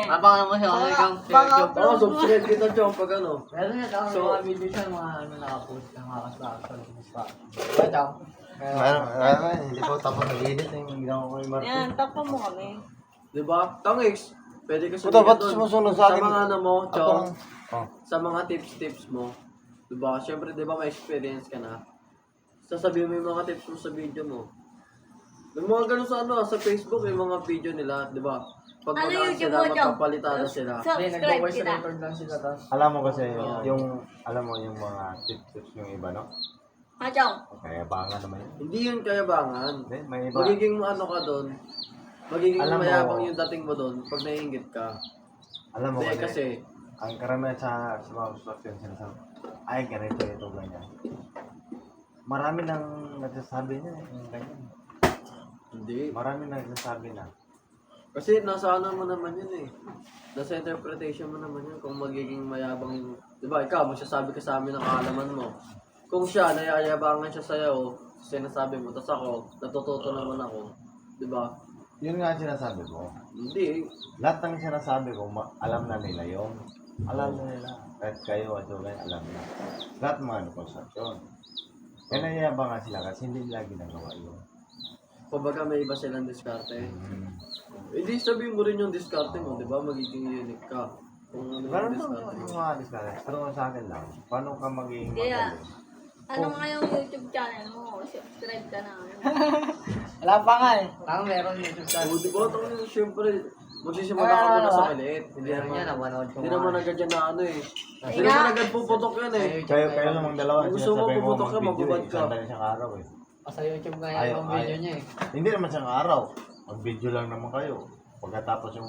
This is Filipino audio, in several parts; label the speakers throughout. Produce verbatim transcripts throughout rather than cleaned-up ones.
Speaker 1: Abangan mo siya kung ikaw.
Speaker 2: Oo, subscribe kita dyan pag ano.
Speaker 1: Meron nga tao
Speaker 2: So,
Speaker 1: mga video siya, mga ano nakapost, ng mga kasakasal. Ito.
Speaker 3: Ano, ano, hindi ko tapos nag-edit yung ginawa ko yung Marco.
Speaker 4: Yan, takpan mo kami.
Speaker 2: Diba? Tangix, pwede ka
Speaker 3: Puta, ba't
Speaker 2: doon.
Speaker 3: sumusunod sa akin?
Speaker 2: Sa mga ano mo,
Speaker 3: Ako
Speaker 2: Chong,
Speaker 3: lang. Oh.
Speaker 2: sa mga tips-tips mo. Diba? Siyempre, diba may experience ka na. Sasabihin mo yung mga tips mo sa video mo. Yung mga ganun sa ano, sa Facebook, yung mga video nila, diba? Pag
Speaker 4: Ano
Speaker 2: magaan
Speaker 4: YouTube
Speaker 2: sila,
Speaker 4: mo, Chong?
Speaker 2: magpapalitan na sila.
Speaker 1: Hindi,
Speaker 4: Subscribe
Speaker 1: nagbo-voice
Speaker 4: kita.
Speaker 1: record lang sila tapos.
Speaker 3: Alam mo kasi,
Speaker 2: Oo.
Speaker 3: yung, alam mo yung mga tips-tips yung iba, no?
Speaker 4: Ha, Chong?
Speaker 3: Kaya bangan naman yun.
Speaker 2: Hindi yun kayabangan.
Speaker 3: Hindi, may iba.
Speaker 2: Magiging ano ka doon, magiging
Speaker 3: Alam mo-
Speaker 2: mayabang yung dating mo doon pag naiingit ka.
Speaker 3: Alam mo
Speaker 2: Hindi
Speaker 3: kasi,
Speaker 2: kasi,
Speaker 3: ang karamihan sa, sa mga construction, sinasabi, ay, ganito, ito, ganyan. Marami nang nagsasabi niya, eh, yung ganyan.
Speaker 2: hindi.
Speaker 3: Marami nang nagsasabi na.
Speaker 2: Kasi nasa ano mo naman yun eh. Nasa interpretation mo naman yun kung magiging mayabang yung... Di ba, ikaw, magsasabi ka sa amin ng kaalaman mo. Kung siya, nayayabangan siya sa'yo, sinasabi mo, tapos ako, natututo naman ako. Di ba?
Speaker 3: Yun nga ang sinasabi ko.
Speaker 2: Hindi.
Speaker 3: Lahat ng sinasabi ko, ma- alam na nila yun. Alam na nila. Kahit kayo at kayo, alam na. Lahat mga ano, construction. Kaya nayayabangan sila kasi hindi nila ginagawa yun.
Speaker 2: Kumbaga may iba silang diskarte.
Speaker 3: Mm.
Speaker 2: Hindi sabihin mo rin yung diskarte mo, di ba? Magiging unique ka. Kung ano
Speaker 3: Pero
Speaker 2: yung
Speaker 3: ito,
Speaker 2: diskarte mo.
Speaker 3: yung mga discard, pero sa akin lang, paano ka magiging
Speaker 4: Kaya,
Speaker 3: magaling?
Speaker 4: ano nga yung YouTube channel mo? Subscribe ka na.
Speaker 1: Wala pa nga eh. Ang meron YouTube
Speaker 2: Oo,
Speaker 1: channel.
Speaker 2: di ba? Ito siyempre, magsisimula ka muna sa maliit. Hindi
Speaker 1: Meron
Speaker 2: naman,
Speaker 1: yan, napanood ko
Speaker 2: hindi
Speaker 1: nga.
Speaker 2: naman agad yan na ano eh. Hindi
Speaker 4: nga.
Speaker 2: naman agad puputok yan eh.
Speaker 3: Kayo, kayo namang dalawa,
Speaker 2: Kung gusto mo,
Speaker 3: sinasabi mo
Speaker 2: puputok ka,
Speaker 3: mag-video
Speaker 2: mababad
Speaker 3: eh,
Speaker 2: ka.
Speaker 3: isang dali siyang araw eh.
Speaker 1: Sa YouTube nga
Speaker 3: Ayaw,
Speaker 1: yan yung video
Speaker 3: ayaw.
Speaker 1: niya eh.
Speaker 3: Hindi naman siyang araw, mag-video lang naman kayo. Pagkatapos yung...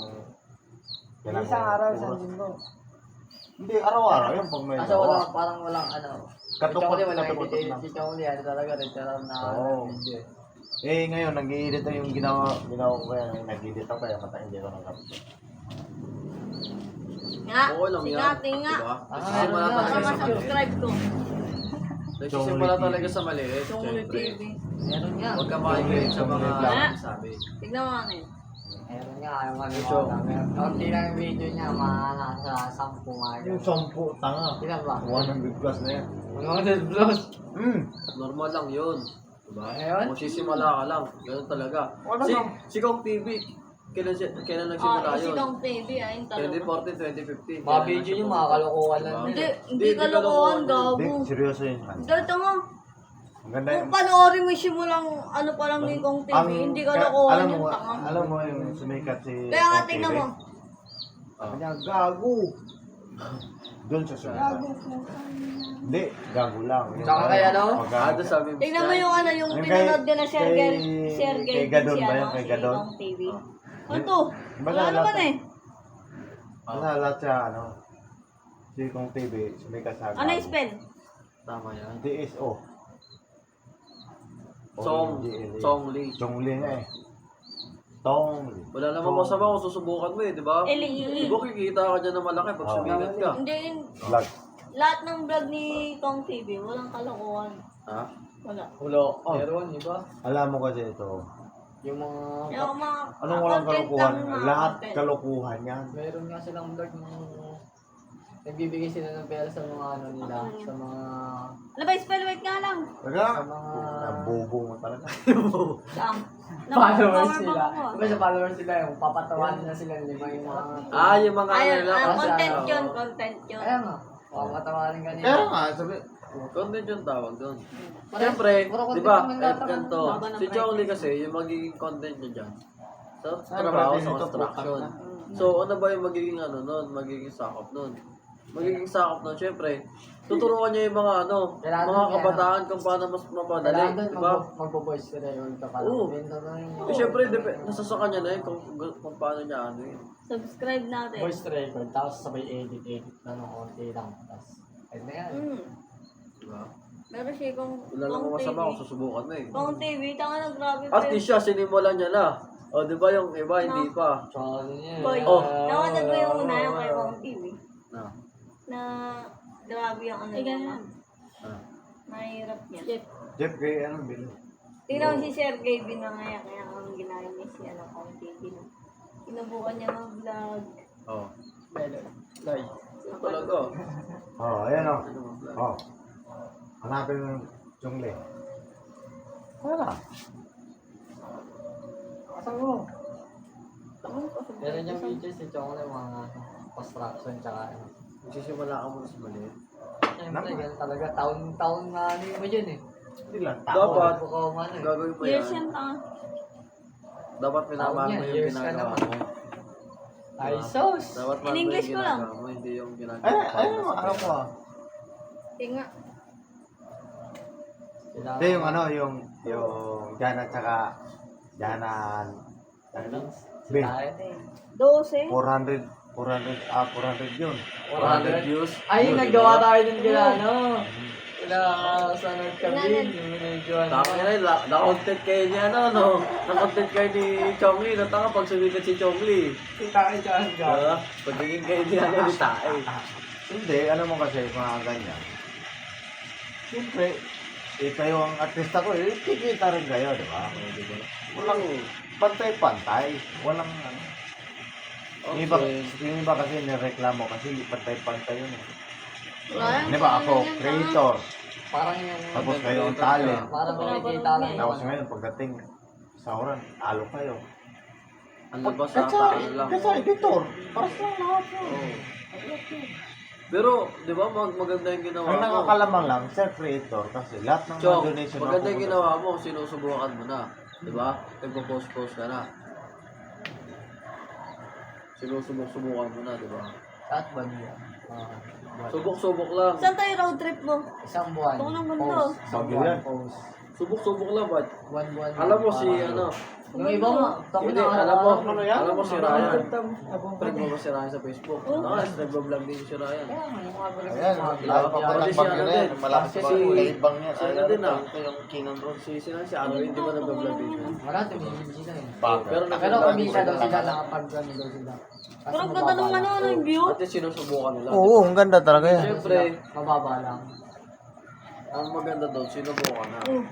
Speaker 1: Isang araw, isang linggo.
Speaker 3: Hindi, araw-araw yun pag may
Speaker 1: Kasi wala, parang walang ano.
Speaker 3: Katukot,
Speaker 1: Si Chongli, wala
Speaker 3: katukot
Speaker 1: edit.
Speaker 3: lang.
Speaker 1: Si Chongli, ano talaga, literal na
Speaker 3: Oo.
Speaker 1: video.
Speaker 3: Eh ngayon, nag-i-edit na yung ginawa, ginawa ko kaya, nag-edit ako kaya mata hindi ko nag-upload.
Speaker 4: Nga,
Speaker 2: Oo lang yan.
Speaker 4: sigati nga.
Speaker 2: Diba?
Speaker 1: Ah,
Speaker 2: Nagsisimula
Speaker 1: meron
Speaker 4: Baka
Speaker 2: talaga sa
Speaker 4: ma-subscribe ko.
Speaker 2: Nagsisimula talaga sa maliit.
Speaker 4: Chongli
Speaker 2: Siyempre.
Speaker 4: T V.
Speaker 1: Meron nga.
Speaker 2: Huwag ka makikinig sa mga
Speaker 4: Ah.
Speaker 2: sabi.
Speaker 4: Tignan mo ano yun.
Speaker 1: Meron nga, yung ano
Speaker 2: Medyo.
Speaker 1: ko lang. Kaunti lang yung video niya, mga nasa sampu nga.
Speaker 3: Yung sampu, tanga.
Speaker 1: Ilan ba?
Speaker 3: one hundred plus na yan.
Speaker 1: one hundred plus.
Speaker 3: Hmm.
Speaker 2: Normal lang yun. Diba?
Speaker 1: Ngayon?
Speaker 2: Magsisimula ka lang. Ganun talaga.
Speaker 3: Wala
Speaker 2: Si,
Speaker 3: lang.
Speaker 2: si Kong T V, kailan, siya- kailan nagsimula
Speaker 4: Ah, si
Speaker 2: yun?
Speaker 4: Dong T V ah, yung
Speaker 2: twenty
Speaker 4: talaga.
Speaker 2: fourteen, twenty fifteen.
Speaker 1: Mga video niyo, mga kalokohan lang.
Speaker 2: Diba?
Speaker 4: Hindi,
Speaker 1: yun.
Speaker 4: hindi
Speaker 2: Hindi,
Speaker 4: kalokohan,
Speaker 2: hindi
Speaker 4: gago.
Speaker 3: Hindi, seryoso yun.
Speaker 4: Dito mo,
Speaker 3: Ang ganda
Speaker 4: kung
Speaker 3: yun.
Speaker 4: panoorin mo simulang ano pa lang ni Kong T V,
Speaker 3: Ang-
Speaker 4: hindi
Speaker 3: kaya-
Speaker 4: kalokohan
Speaker 3: alam
Speaker 4: yung
Speaker 3: mo,
Speaker 4: tanga.
Speaker 3: alam mo yung sumikat si
Speaker 4: Kaya nga
Speaker 3: Kong
Speaker 4: tingnan
Speaker 3: T V?
Speaker 4: mo.
Speaker 3: Sabi niya, gago. Doon sa sumikat. Hindi, gago lang. Yung
Speaker 1: Tsaka kay ano?
Speaker 3: pagka-
Speaker 2: Ah, doon sabi mo.
Speaker 4: Tingnan mo yung ano, yung
Speaker 3: Yung
Speaker 4: pinanood
Speaker 3: kay-
Speaker 4: din na Share
Speaker 3: kay-
Speaker 4: Girl, Share Girl
Speaker 3: kay
Speaker 4: din
Speaker 3: Gadon
Speaker 4: si
Speaker 3: ba
Speaker 4: ano,
Speaker 3: yun? Kay
Speaker 4: si
Speaker 3: Gadon?
Speaker 4: Kong T V. Ano to?
Speaker 3: Basta
Speaker 4: Wala naman
Speaker 3: lahat-
Speaker 4: eh.
Speaker 3: Basta lahat siya, ano, si Kong T V, sumikat sa
Speaker 4: Ano yung spell?
Speaker 2: Tama yan.
Speaker 3: D S O.
Speaker 2: Song, Song Lee.
Speaker 3: Chong Lee nga eh. Tong Lee.
Speaker 2: Wala namang masama kung susubukan mo eh, di ba?
Speaker 4: L E E.
Speaker 2: Di ba kikita ka dyan ng malaki pag
Speaker 3: Oo.
Speaker 2: sumigat ka?
Speaker 4: Hindi, yun.
Speaker 3: Vlog.
Speaker 4: Lahat ng vlog ni Kong T V, walang kalokohan.
Speaker 2: Ha?
Speaker 4: Wala.
Speaker 1: Ulo.
Speaker 3: Oh.
Speaker 1: Meron, di ba?
Speaker 3: Alam mo kasi ito.
Speaker 1: Yung mga...
Speaker 4: Yung mga
Speaker 3: Anong walang
Speaker 4: content
Speaker 3: kalokohan?
Speaker 4: lang, mga
Speaker 3: Lahat
Speaker 4: content.
Speaker 3: kalokohan yan.
Speaker 1: Meron nga silang vlog ng... Nagbibigay sila ng pera sa mga ano nila, sa mga...
Speaker 4: Ano ba, spell wait nga lang.
Speaker 3: Talaga?
Speaker 1: Sa mga...
Speaker 3: Nabobo mo talaga.
Speaker 4: Saan?
Speaker 1: Followers
Speaker 4: Power
Speaker 1: sila.
Speaker 4: bank mo.
Speaker 1: Diba sa followers sila yung papatawanan na sila lima yung mga...
Speaker 2: Ah, yung mga
Speaker 4: Ayun,
Speaker 2: ano lang.
Speaker 4: ah,
Speaker 1: kasi
Speaker 4: content
Speaker 1: ano,
Speaker 4: yun, content yun.
Speaker 1: Kaya nga, papatawanan ka nila.
Speaker 3: Kaya nga, sabi,
Speaker 2: Content yung tawag doon.
Speaker 1: Pare-
Speaker 2: Siyempre,
Speaker 1: puro
Speaker 2: di
Speaker 1: content
Speaker 2: ba,
Speaker 1: naman
Speaker 2: kahit
Speaker 1: lahat ang-
Speaker 2: ganito,
Speaker 4: baba ng
Speaker 2: si
Speaker 4: price.
Speaker 2: Chong Lee kasi, yung magiging content niya dyan, sa
Speaker 3: Ay,
Speaker 2: trabaho,
Speaker 3: pati
Speaker 2: sa
Speaker 3: nito,
Speaker 2: construction.
Speaker 3: putang
Speaker 4: Mm.
Speaker 2: So, ano ba yung magiging ano nun? Magiging sakop nun? Magiging sakop nun, syempre, tuturuan niya yung mga ano,
Speaker 1: Kailangan
Speaker 2: mga
Speaker 1: niya,
Speaker 2: kabataan kung paano mas mapadali,
Speaker 1: Kailangan doon
Speaker 2: di ba?
Speaker 1: magbo- magbo-voice ka rin ka pala.
Speaker 2: Oo.
Speaker 1: Bento na rin
Speaker 2: Eh, syempre, dep- nasa sa kanya na yun kung, kung paano niya ano yun.
Speaker 4: Subscribe natin.
Speaker 1: Voice record, tapos sabay edit, edit na ng konti lang. Tapos, ayun na yan.
Speaker 4: Mm.
Speaker 2: Di ba?
Speaker 4: Pero siya kung
Speaker 2: Wala namang masama kung susubukan mo eh.
Speaker 4: Kong T V, tanga na grabe
Speaker 2: At least siya, sinimulan niya na. O, di ba yung iba, hindi pa.
Speaker 1: Tsaka ano niya.
Speaker 4: Boy,
Speaker 2: Oh.
Speaker 4: nawanag ko yung una yung kay Kong T V.
Speaker 2: Na.
Speaker 4: Na grabe yung ano niya.
Speaker 2: Ah.
Speaker 4: Mahirap niya.
Speaker 3: Jeff Gray, anong bilo?
Speaker 4: Tingnan mo si Sergey Binangaya, kaya ang ginaya niya si ano, Kong T V. Na. Sinubukan niya mag-vlog.
Speaker 2: Oh.
Speaker 1: Melon. Loy.
Speaker 2: Yun talaga.
Speaker 3: Oh, ayan o.
Speaker 2: Ano mo, vlog?
Speaker 3: Oh. Hanapin mo yung Chungli. Wala.
Speaker 1: Asan mo? Meron yung video si Chong yung mga construction tsaka ano.
Speaker 2: Magsisimula ka muna sa maliit.
Speaker 1: Siyempre, ganun talaga. Taon-taon nga ano mo dyan eh.
Speaker 3: Hindi lang tao.
Speaker 2: Dapat.
Speaker 1: Bukaw man eh.
Speaker 2: Gagawin mo
Speaker 4: Years
Speaker 2: yan.
Speaker 4: yan tanga.
Speaker 2: Dapat minamahal mo
Speaker 1: Taon yan,
Speaker 2: yung
Speaker 1: years ka
Speaker 2: ginagawa
Speaker 1: naman.
Speaker 2: mo.
Speaker 1: Ay, sos!
Speaker 2: Dapat mahal mo
Speaker 4: In English
Speaker 2: yung
Speaker 4: ko lang.
Speaker 2: ginagawa mo, hindi yung ginagawa
Speaker 3: Ay,
Speaker 2: mo
Speaker 3: ay,
Speaker 2: para
Speaker 3: ano,
Speaker 2: sa
Speaker 3: ano
Speaker 2: pera.
Speaker 3: ko?
Speaker 4: Tinga.
Speaker 1: Kailangan
Speaker 3: Hindi, yung ano, yung, yung Jana tsaka Janan. Ano? Bin.
Speaker 1: Tayo.
Speaker 4: Dose.
Speaker 3: four hundred, four hundred, ah, four hundred yun.
Speaker 2: four hundred views.
Speaker 1: Ay, yung naggawa tayo din kila ano. Kila sa nagkabin. Yung medyo ano.
Speaker 2: Tama na yun, la- na-content kayo ni ano, no? Na-content kayo ni Chongli. Natanga pag sumikat si Chongli.
Speaker 1: Kita kayo dyan
Speaker 2: Diba? Pagiging kayo ni ano, ni Tae.
Speaker 3: Hindi, ano mo kasi, mga ganyan. Siyempre, eh, kayo ang artista ko, eh, kikita rin kayo, di ba? Walang pantay-pantay. Walang, ano. Yung iba,
Speaker 2: Okay.
Speaker 3: yung iba kasi nireklamo kasi hindi pantay-pantay yun. Eh.
Speaker 4: Wala yan,
Speaker 3: Di ba ako,
Speaker 4: wala yan, tanga.
Speaker 3: creator.
Speaker 1: Parang yung...
Speaker 3: Tapos kayo ang talent.
Speaker 1: Parang kumikita lang yung
Speaker 3: Tapos
Speaker 1: ano.
Speaker 3: ngayon, pagdating sa oran, talo kayo.
Speaker 2: Ang labas sa
Speaker 3: Kasi,
Speaker 2: ano lang.
Speaker 3: kasi editor, para sa lahat yun.
Speaker 2: Oo. Pero, di ba, mag maganda yung ginawa
Speaker 3: Ang
Speaker 2: mo.
Speaker 3: nakakalamang lang, self-creator, kasi lahat ng
Speaker 2: Chong,
Speaker 3: mga donation
Speaker 2: maganda yung
Speaker 3: napupunta-
Speaker 2: ginawa mo, sinusubukan mo na. Di ba? Nagpo-post-post ka na. Sinusubok-subukan mo na, di ba?
Speaker 1: At ba niya? Ah, buwan.
Speaker 2: Subok-subok lang.
Speaker 4: Saan tayo road trip mo?
Speaker 1: Isang buwan.
Speaker 4: Ito ng mundo.
Speaker 1: Post. Isang
Speaker 3: Bagyo
Speaker 1: buwan.
Speaker 3: yan.
Speaker 1: Post.
Speaker 2: Subok-subok lang, ba't?
Speaker 1: One buwan.
Speaker 2: Alam mo si,
Speaker 1: Parang-
Speaker 2: ano,
Speaker 1: Yung iba mo.
Speaker 2: hindi, alam mo,
Speaker 3: ano yan?
Speaker 2: alam mo si Ryan.
Speaker 1: Friend
Speaker 2: Friend mo ba si Ryan sa Facebook?
Speaker 4: Oo.
Speaker 2: Ah, nag-vlog din si Ryan.
Speaker 1: Kaya nga, yung mga vlog-
Speaker 3: Ayan,
Speaker 1: mga vlog-
Speaker 3: lalo pa
Speaker 2: Pati
Speaker 3: pala
Speaker 2: si
Speaker 3: bagyo
Speaker 2: ano
Speaker 3: na yan.
Speaker 2: din.
Speaker 3: Malapit
Speaker 2: Kasi
Speaker 3: pa
Speaker 2: si-
Speaker 3: si bang yan.
Speaker 2: si
Speaker 3: Ay,
Speaker 2: ano din, ah.
Speaker 3: ito yung King Road.
Speaker 2: Si, sino si Arwin, di ba nag-vlog din siya?
Speaker 1: Wala, tumigil sila eh.
Speaker 3: Bagyo.
Speaker 2: Pero
Speaker 1: Pero
Speaker 2: nag-vlog
Speaker 1: kumita
Speaker 2: din
Speaker 1: daw
Speaker 2: sila.
Speaker 1: sila, nakapag-ano daw sila. Kasi
Speaker 4: Pero ang ganda nung
Speaker 1: mababa
Speaker 4: ano,
Speaker 1: lang.
Speaker 4: ano yung view.
Speaker 2: At least sinusubukan nila.
Speaker 3: Oo, ang ganda talaga yan.
Speaker 2: Siyempre,
Speaker 1: Mababa lang.
Speaker 2: ang maganda doon, sinubukan na.